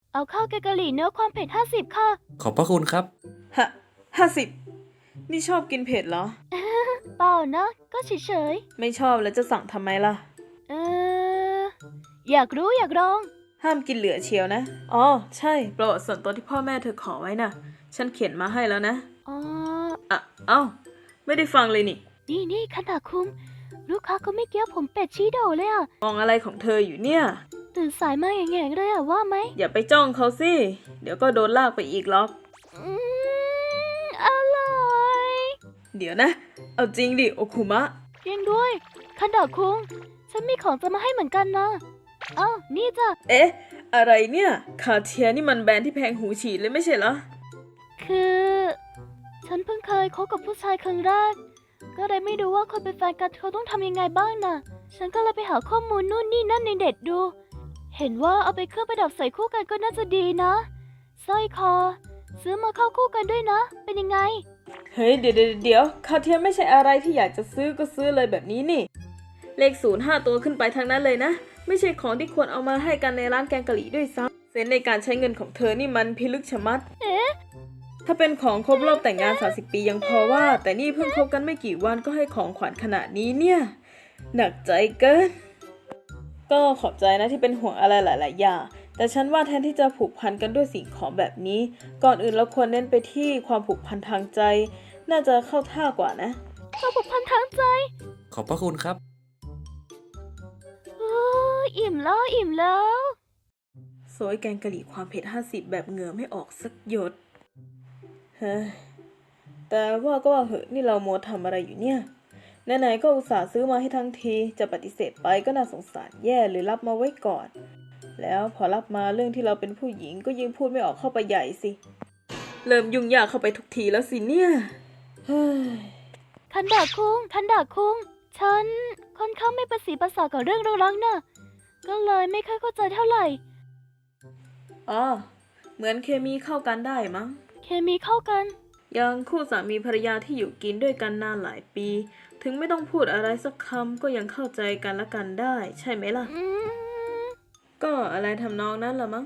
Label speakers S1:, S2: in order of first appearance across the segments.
S1: เอาข้าวแกงกะหรี่เนื้อความเผ็ด50ค่ะ
S2: ขอบพระคุณครับ
S3: 50นี่ชอบกินเผ็ดเหรอ
S1: เปล่านะก็เฉย
S3: ไม่ชอบแล้วจะสั่งทำไมล่ะ
S1: ๆอยากรู้อยากลอง
S3: ห้ามกินเหลือเชียวนะ อ๋อ ใช่ประวัติส่วนตัวที่พ่อแม่เธอขอไว้น่ะ ฉันเขียนมาให้แล้วนะ
S1: อ๋อ
S3: เอ้า ไม่ได้ฟังเลยนี่
S1: นี่คันดาคุงลูกค้าก็ไม่เกี้ยวผมเป็ดชี้โดเลยอ่ะ
S3: มองอะไรของเธออยู่เนี่ย
S1: ตื่นสายมาแง่ๆเลยอ่ะว่าไหม
S3: อย่าไปจ้องเขาสิ เดี๋ยวก็โดนลากไปอีกหรอก
S1: อร่อย
S3: เดี๋ยวนะ เอาจริงดิโอคุมะ
S1: จริงด้วยคันดาคุงฉันมีของจะมาให้เหมือนกันนะอ้าวนี่จ้ะ
S3: เอ๊ะ อะไรเนี่ย คาเทียนี่มันแบรนด์ที่แพงหูฉีดเลยไม่ใช่เหรอ
S1: คือ ฉันเพิ่งเคยคบกับผู้ชายครั้งแรกก็เลยไม่รู้ว่าคนเป็นแฟนกันเขาต้องทำยังไงบ้างน่ะ ฉันก็เลยไปหาข้อมูลนู่นนี่นั่นในเน็ตดู เห็นว่าเอาไปเครื่องประดับใส่คู่กันก็น่าจะดีนะสร้อยคอ ซื้อมาเข้าคู่กันด้วยนะ เป็นยังไง
S3: เฮ้ยเดี๋ยวคาเทียไม่ใช่อะไรที่อยากจะซื้อก็ซื้อเลยแบบนี้นี่ เลข05ตัวขึ้นไปทั้งนั้นเลยนะ ไม่ใช่ของที่ควรเอามาให้กันในร้านแกงกะหรี่ด้วยซ้ำเซนส์ในการใช้เงินของเธอนี่มันพิลึกชะมัด
S1: เอ๊ะ
S3: ถ้าเป็นของครบรอบแต่งงาน30 ปียังพอว่า แต่นี่เพิ่งคบกันไม่กี่วันก็ให้ของขวัญขนาดนี้เนี่ย หนักใจเกิน ก็ขอบใจนะที่เป็นห่วงอะไรหลายๆอย่าง แต่ฉันว่าแทนที่จะผูกพันกันด้วยสิ่งของแบบนี้ ก่อนอื่นเราควรเน้นไปที่ความผูกพันทางใจ น่าจะเข้าท่ากว่านะ
S1: ความผูกพันทางใจ
S2: ขอบพระคุณครับ
S1: โอ้อิ่มแล้ว
S3: โซยแกงกะหรี่ความเผ็ด50แบบเหงื่อไม่ออกสักหยด เฮ้ย แต่ว่าก็ว่าเหอะนี่เรามัวทำอะไรอยู่เนี่ย ไหนๆก็อุตส่าห์ซื้อมาให้ทั้งทีจะปฏิเสธไปก็น่าสงสารแย่หรือรับมาไว้ก่อน แล้วพอรับมาเรื่องที่เราเป็นผู้หญิงก็ยิ่งพูดไม่ออกเข้าไปใหญ่สิ เริ่มยุ่งยากเข้าไปทุกทีแล้วสิเนี่ย เฮ้ย
S1: คันดาคุง ฉันค่อนข้างไม่ประสีภาษากับเรื่องรักๆน่ะ ก็เลยไม่ค่อยเข้าใจเท่าไหร่
S3: อ๋อ เหมือนเคมีเข้ากันได้มั้ง
S1: เคมีเข้ากัน
S3: อย่างคู่สามีภรรยาที่อยู่กินด้วยกันนานหลายปี ถึงไม่ต้องพูดอะไรสักคำก็ยังเข้าใจกันและกันได้ ใช่ไหมล่ะ ก็อะไรทำนองนั้นละมั้ง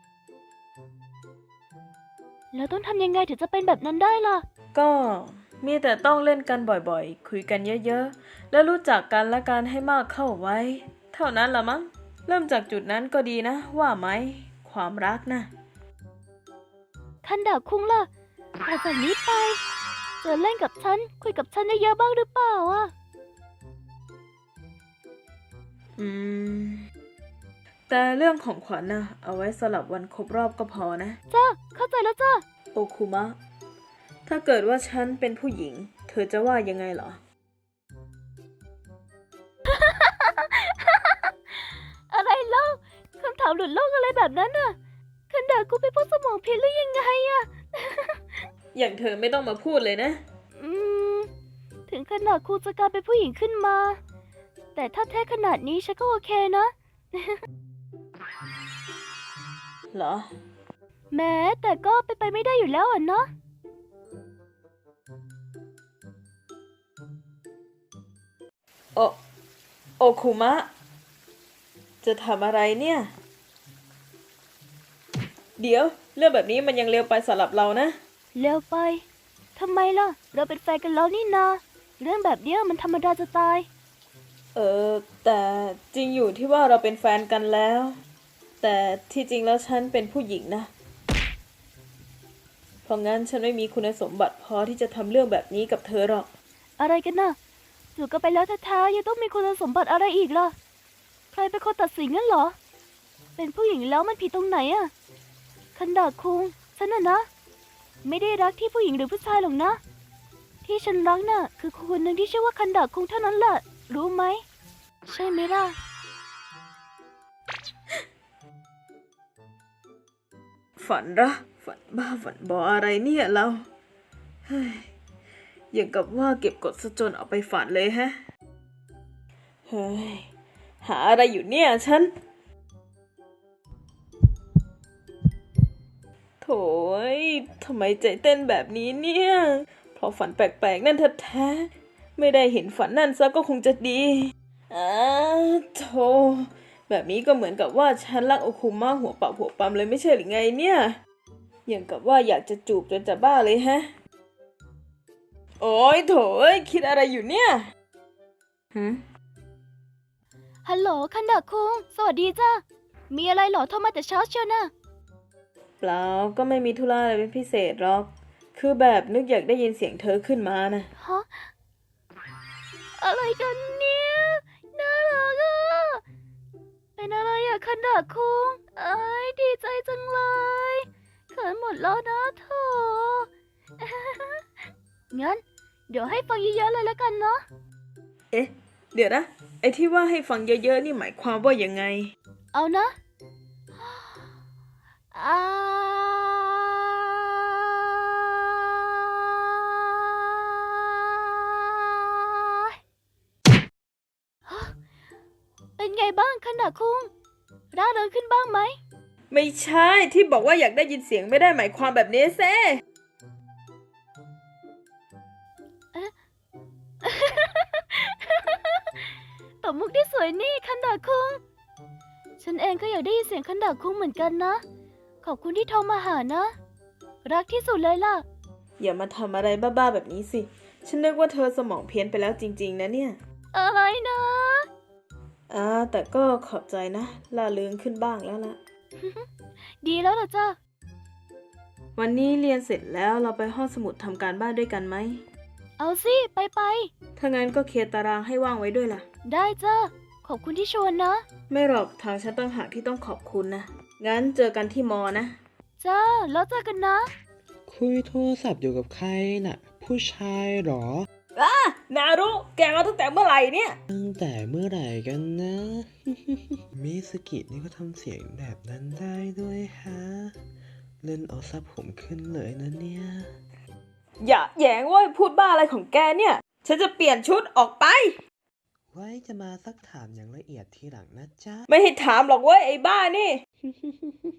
S1: แล้วต้องทำยังไงถึงจะเป็นแบบนั้นได้ล่ะ
S3: ก็มีแต่ต้องเล่นกันบ่อยๆ คุยกันเยอะๆ แล้วรู้จักกันและกันให้มากเข้าไว้ เท่านั้นละมั้ง เริ่มจากจุดนั้นก็ดีนะ ว่าไหม ความรักนะ
S1: คันดาคุงล่ะหลังจากนี้ไปจะเล่นกับฉัน คุยกับฉันเยอะๆบ้างหรือเปล่าอ่ะ
S3: แต่เรื่องของขวัญนะเอาไว้สลับวันครบรอบก็พอนะ
S1: จ้า เข้าใจแล้วจ้า
S3: โอคุมะ ถ้าเกิดว่าฉันเป็นผู้หญิง เธอจะว่ายังไงเหรอ
S1: อะไรเล่าคำถามหลุดโลกอะไรแบบนั้นน่ะ คันดาคุงเป็นพวกสมองผิดหรือยังไงอ่ะ
S3: อย่างเธอไม่ต้องมาพูดเลยนะ
S1: ถึงขนาดคุงจะกลายเป็นผู้หญิงขึ้นมา แต่ถ้าแท้ขนาดนี้ฉันก็โอเคนะ
S3: เหรอ
S1: แม้แต่ก็ไปไม่ได้อยู่แล้วอ่ะเนาะ
S3: โอคุมะ จะทำอะไรเนี่ย เดี๋ยว เรื่องแบบนี้มันยังเร็วไปสำหรับเรานะ
S1: เร็วไป ทำไมล่ะ เราเป็นแฟนกันแล้วนี่นา เรื่องแบบเนี้ยมันธรรมดาจะตาย
S3: แต่จริงอยู่ที่ว่าเราเป็นแฟนกันแล้ว แต่ที่จริงแล้วฉันเป็นผู้หญิงนะ เพราะงั้นฉันไม่มีคุณสมบัติพอที่จะทำเรื่องแบบนี้กับเธอหรอก
S1: อะไรกันน่ะอยู่กันไปแล้วแท้ๆยังต้องมีคุณสมบัติอะไรอีกล่ะ ใครเป็นคนตัดสินงั้นเหรอ เป็นผู้หญิงแล้วมันผิดตรงไหนอะคันดาคุง ฉันน่ะนะ ไม่ได้รักที่ผู้หญิงหรือผู้ชายหรอกนะ ที่ฉันรักน่ะ คือคนหนึ่งที่ชื่อว่าคันดาคุงเท่านั้นแหละ รู้ไหม ใช่ไหมล่ะ
S3: ฝันเหรอฝันบ้าฝันบออะไรเนี่ยเรา เฮ้ย อย่างกับว่าเก็บกดซะจนเอาไปฝันเลยฮะ เฮ้ย หาอะไรอยู่เนี่ยฉัน โถ่ยทำไมใจเต้นแบบนี้เนี่ย เพราะฝันแปลกๆนั่นแท้ๆไม่ได้เห็นฝันนั่นซะก็คงจะดีโธ่แบบนี้ก็เหมือนกับว่าฉันรักโอคุมะหัวปักหัวปั๊มเลยไม่ใช่หรือไงเนี่ยอย่างกับว่าอยากจะจูบจนจะบ้าเลยฮะโอ้ยโถยคิดอะไรอยู่เนี่ยหืม
S1: ฮัลโหลคันดะคุง สวัสดีจ้ามีอะไรเหรอโทรมาแต่เช้าเชียวนะ
S3: เปล่าก็ไม่มีธุระอะไรเป็นพิเศษหรอกคือแบบนึกอยากได้ยินเสียงเธอขึ้นมานะ
S1: ฮะ อะไรกันเนี่ย น่ารักอ่ะ เป็นอะไรอะคันดะคุง เอ้ยดีใจจังเลยเขินหมดแล้วนะเธอ งั้น เดี๋ยวให้ฟังเยอะๆเลยแล้วกันเนาะ
S3: เอ๊ะ เดี๋ยวนะ ไอ้ที่ว่าให้ฟังเยอะๆนี่หมายความว่ายังไง
S1: เอานะอ่าเป็นไงบ้างคันดะคุงร่าเริงขึ้นบ้างไหม
S3: ไม่ใช่ที่บอกว่าอยากได้ยินเสียงไม่ได้หมายความแบบนี้เซ่
S1: ตบมุกที่สวยนี่คันดะคุง ฉันเองก็อยากได้ยินเสียงคันดะคุงเหมือนกันนะ ขอบคุณที่โทรมาหานะ รักที่สุดเลยล่ะ
S3: อย่ามาทำอะไรบ้าๆแบบนี้สิ ฉันนึกว่าเธอสมองเพี้ยนไปแล้วจริงๆนะเนี่ย
S1: อะไรนะ
S3: แต่ก็ขอบใจนะล่าเริงขึ้นบ้างแล้วล่ะ
S1: ดีแล้วล่ะจ้า
S3: วันนี้เรียนเสร็จแล้วเราไปห้องสมุดทำการบ้านด้วยกันไหม
S1: เอาสิ ไป
S3: ถ้างั้นก็เคลียร์ตารางให้ว่างไว้ด้วยล่ะ
S1: ได้จ้า ขอบคุณที่ชวนนะ
S3: ไม่หรอกทางฉันตั้งหากที่ต้องขอบคุณนะ งั้นเจอกันที่มอนะ
S1: จ้า แล้วเจอกันนะ
S4: คุยโทรศัพท์อยู่กับใครน่ะ ผู้ชายเหรอ
S3: นารุแกมาตั้งแต่เมื่อไหร่เนี่ย
S4: ตั้งแต่เมื่อไหร่กันนะ มิสกินี่ก็ทำเสียงแบบนั้นได้ด้วยฮะ เล่นเอาซับผมขึ้นเลยนะเนี่ย
S3: อย่าแหยงเว้ยพูดบ้าอะไรของแกเนี่ย ฉันจะเปลี่ยนชุดออกไป
S4: ไว้จะมาซักถามอย่างละเอียดทีหลังนะจ๊ะ
S3: ไม่ให้ถามหรอกเว้ยไอ้บ้านี่